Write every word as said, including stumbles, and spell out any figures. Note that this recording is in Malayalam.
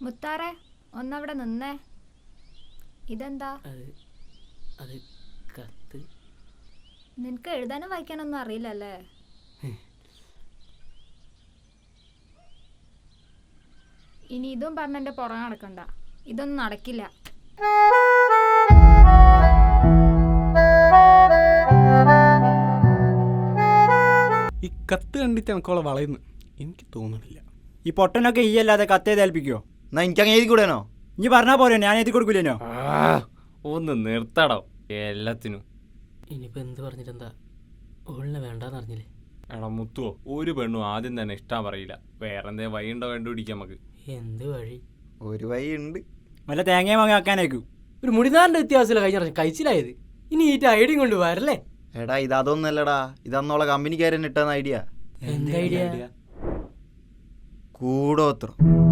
മുത്താറെ ഒന്നവിടെ നിന്നേ. ഇതെന്താ? അത് കത്ത്. നിനക്ക് എഴുതാനും വായിക്കാനൊന്നും അറിയില്ലല്ലേ? ഇനി ഇതും പറഞ്ഞ എൻ്റെ പുറകെ നടക്കണ്ട. ഇതൊന്നും നടക്കില്ല. ഈ കത്ത് കണ്ടിട്ട് എനിക്കോളെ വളയുന്നു എനിക്ക് തോന്നുന്നില്ല. ഈ പൊട്ടനൊക്കെ ഈ അല്ലാതെ കത്ത് ഏൽപ്പിക്കോ? എന്നാ എനിക്കങ്ങനെ എഴുതി കൂടെയാണോ? ഇനി പറഞ്ഞാൽ പോരോ, ഞാൻ എഴുതി കൊടുക്കൂലേനോ? ഒന്ന് നിർത്തടോ എല്ലാത്തിനും. ഇനിയിപ്പോൾ എന്ത് പറഞ്ഞിട്ടെന്താ? ഓളിനെ വേണ്ടാന്ന് അറിഞ്ഞില്ലേ? എടാ മുത്തുവോ, ഒരു പെണ്ണും ആദ്യം തന്നെ ഇഷ്ടം പറയില്ല. വേറെ എന്തേ വഴി ഉണ്ടോ കണ്ടുപിടിക്കാം നമുക്ക്. എന്ത് വഴി? ഒരു വഴി ഉണ്ട്. വല്ല തേങ്ങയും വാങ്ങി വെക്കാനേക്കും. ഒരു മുടിനാറിൻ്റെ വ്യത്യാസമില്ല കഴിഞ്ഞ പ്രാവശ്യം കഴിച്ചിലായത്. ഇനി ഈ ഐഡിയും കൊണ്ട് വരല്ലേ? എടാ ഇത് അതൊന്നല്ലടാ, ഇതന്നോളെ കമ്പനിക്കാരൻ ഇട്ടെന്ന ഐഡിയ. എന്ത് ഐഡിയ? കൂടോത്രം.